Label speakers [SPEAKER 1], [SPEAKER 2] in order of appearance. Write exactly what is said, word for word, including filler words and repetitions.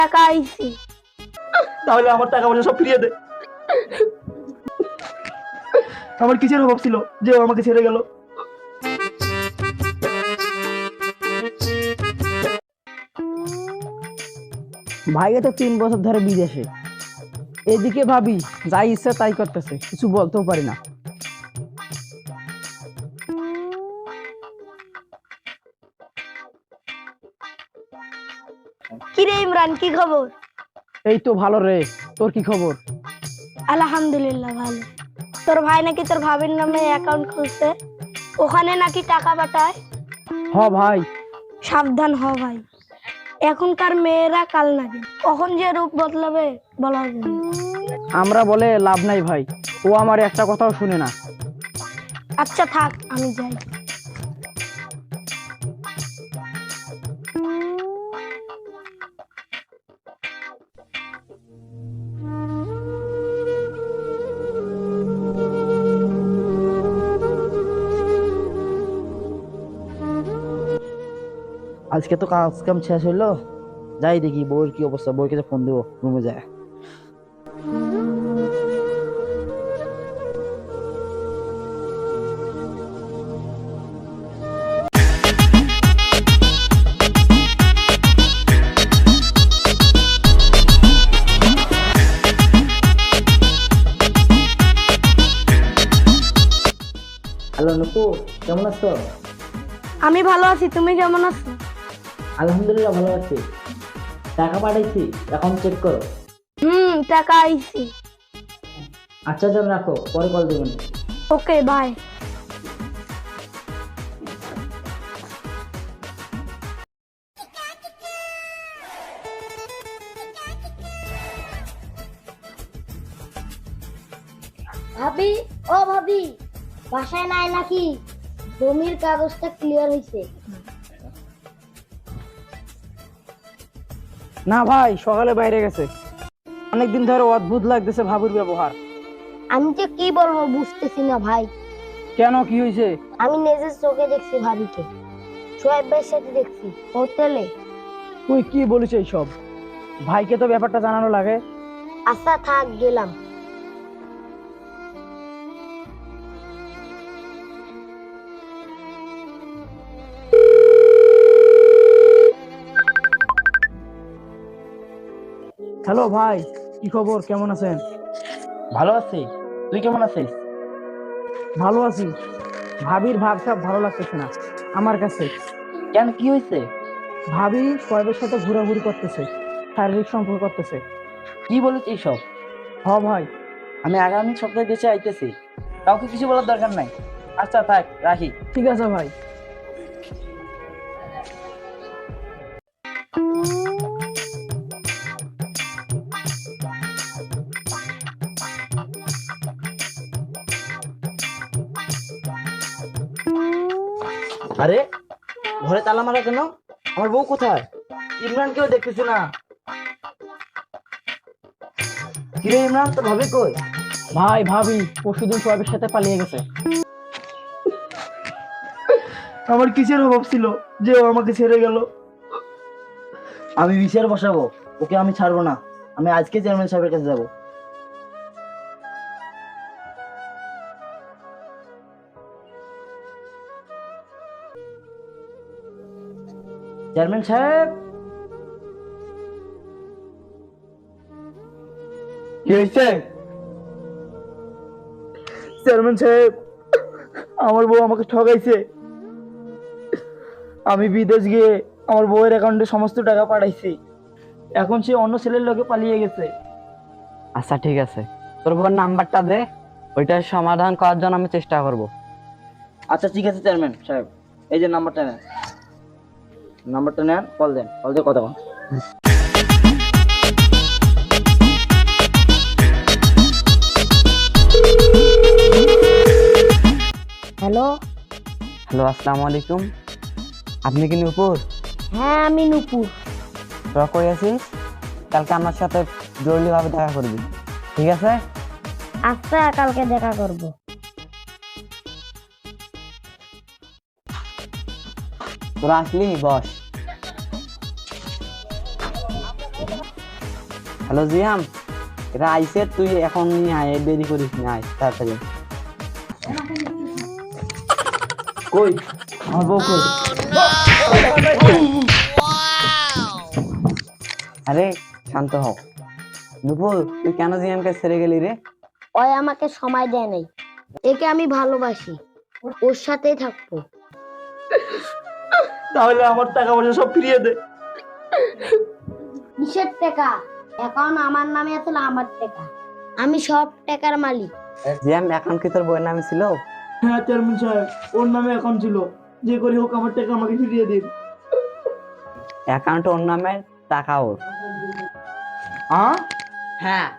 [SPEAKER 1] টাকা আইছি।
[SPEAKER 2] তাহলে আমার টাকা পয়সা সব ফিরিয়ে দে। আমার কিসের অভাব ছিল যে ও আমাকে ছেড়ে গেল?
[SPEAKER 3] ভাইয়া তো তিন বছর ধরে বিদেশে, এদিকে ভাবি যাই ইচ্ছা তাই করতেছে, কিছু বলতেও পারি না।
[SPEAKER 1] কিরে ইমরান, কি খবর?
[SPEAKER 3] এই তো ভালো রে, তোর কি খবর?
[SPEAKER 1] আলহামদুলিল্লাহ ভালো। তোর ভাই নাকি তোর ভাবির নামে অ্যাকাউন্ট খুলছে, ওখানে নাকি টাকা পাঠায়।
[SPEAKER 3] হ ভাই।
[SPEAKER 1] সাবধান হ ভাই, এখনকার মেয়েরা কাল নাকি কখন যে রূপ বদলাবে বলা যায় না।
[SPEAKER 3] আমরা বলে লাভ নাই ভাই, ও আমার একটা কথাও শুনে না।
[SPEAKER 1] আচ্ছা থাক, আমি যাই।
[SPEAKER 2] আজকে তো কাজ কাম শেষ হইলো, যাই দেখি বউয়ের কি অবস্থা, বউকে ফোন দেবো, রুমে যায়। হ্যালো নুপু, কেমন আছো?
[SPEAKER 1] আমি ভালো আছি, তুমি কেমন আছো?
[SPEAKER 2] আলহামদুলিল্লাহ ভালো আছি। টাকা পাঠাইছি, এখন চেক করো।
[SPEAKER 1] হুম, টাকা আইছি।
[SPEAKER 2] আচ্ছা যান, রাখো, পরে কল দেবেন।
[SPEAKER 1] Okay bye.
[SPEAKER 4] ভাবি, ও ভাবি, বাসায় নাই নাকি? জমির কাগজটা ক্লিয়ার হয়েছে।
[SPEAKER 3] না ভাই, সকালে বাইরে গেছে। অনেকদিন ধরে অদ্ভুত লাগতেছে ভাবির ব্যবহার।
[SPEAKER 4] আমি যে কি বলবো বুঝতেছি না ভাই।
[SPEAKER 3] কেন, কি হয়েছে?
[SPEAKER 4] আমি নিজের চোখে দেখছি ভাবিকে সোহেব ভাইয়ের সাথে দেখছি হোটেলে।
[SPEAKER 3] তুই কি বলিস এইসব? ভাইকে তো ব্যাপারটা জানানো লাগে।
[SPEAKER 4] আচ্ছা থাক, গেলাম।
[SPEAKER 3] হ্যালো ভাই, কি খবর, কেমন আছেন?
[SPEAKER 2] ভালো আছি, তুই কেমন আছিস?
[SPEAKER 3] ভালো আছি। ভাবির ভাব সাব ভালো লাগতেছে না আমার কাছে।
[SPEAKER 2] কেন, কি হয়েছে?
[SPEAKER 3] ভাবি সোহেবের সাথে ঘোরাঘুরি করতেছে, শারীরিক সম্পর্ক করতেছে।
[SPEAKER 2] কি বলিস এইসব?
[SPEAKER 3] হ ভাই।
[SPEAKER 2] আমি আগামী সপ্তাহে দেশে আইতেছি, কাউকে কিছু বলার দরকার নাই। আচ্ছা থাক, রাখি।
[SPEAKER 3] ঠিক আছে ভাই।
[SPEAKER 2] আরে ঘরে তালা মারা কেন? আমার বউ কোথায়? ইমরানকেও দেখতেছি না। কিরে ইমরান, তো ভাবি কই?
[SPEAKER 3] ভাই ভাবি পরশুদিন সোহেবের সাথে পালিয়ে গেছে।
[SPEAKER 2] আমার কিসের অভাব ছিল যে ও আমাকে ছেড়ে গেল? আমি বিচার বসাবো, ওকে আমি ছাড়বো না। আমি আজকে চেয়ারম্যান সাহেবের কাছে যাবো। চেয়ারম্যান সাহেব, কি হয়েছে? চেয়ারম্যান সাহেব, আমার বউ আমাকে ঠকাইছে। আমি বিদেশ গিয়ে আমার বউয়ের অ্যাকাউন্টে সমস্ত টাকা পাঠাইছি, এখন সে অন্য ছেলের লোকে পালিয়ে গেছে।
[SPEAKER 5] আচ্ছা ঠিক আছে, তোর বোন নাম্বারটা দে, ওইটার সমাধান করার জন্য আমি চেষ্টা করব।
[SPEAKER 2] আচ্ছা ঠিক আছে চেয়ারম্যান সাহেব, এই যে নাম্বারটা নেন, নাম্বারটা নেন, কল দেন, কল দিয়ে কথা বল।
[SPEAKER 4] হ্যালো।
[SPEAKER 5] হ্যালো, আসসালামু আলাইকুম। আপনি কি নূপুর?
[SPEAKER 4] হ্যাঁ আমি নূপুর।
[SPEAKER 5] তোরা কই আছিস? কালকে আমার সাথে জরুরি ভাবে দেখা করবি, ঠিক আছে?
[SPEAKER 4] আচ্ছা, কালকে দেখা করব।
[SPEAKER 5] তোরা আসলি বস। হ্যালো জিয়াম, এরা আইসে, তুই এখন নিয়ে আয়, দেরি করিস না, আয় তাড়াতাড়ি।
[SPEAKER 2] কই আমার বউ কই?
[SPEAKER 5] আরে শান্ত হও। নুপুর, তুই কেন জিয়ামকে ছেড়ে গেলি রে?
[SPEAKER 4] ওই আমাকে সময় দেয় নাই, একে আমি ভালোবাসি, ওর সাথেই থাকবো।
[SPEAKER 2] তাহলে আমার টাকা পয়সা সব ফিরিয়ে দে।
[SPEAKER 4] কিসের টাকা? অ্যাকাউন্ট আমার নামে আছে, না আমার টাকা, আমি সব টাকার মালিক।
[SPEAKER 5] জিয়াম, অ্যাকাউন্ট কি তোর বইয়ের নামে ছিল?
[SPEAKER 2] হ্যাঁ চেয়ারম্যান সাহেব, ওর নামে অ্যাকাউন্ট ছিল, যে করে হোক আমার টাকা আমাকে ফিরিয়ে দিন।
[SPEAKER 5] অ্যাকাউন্ট ওর নামে, টাকা ওর।
[SPEAKER 2] হ্যাঁ
[SPEAKER 5] হ্যাঁ।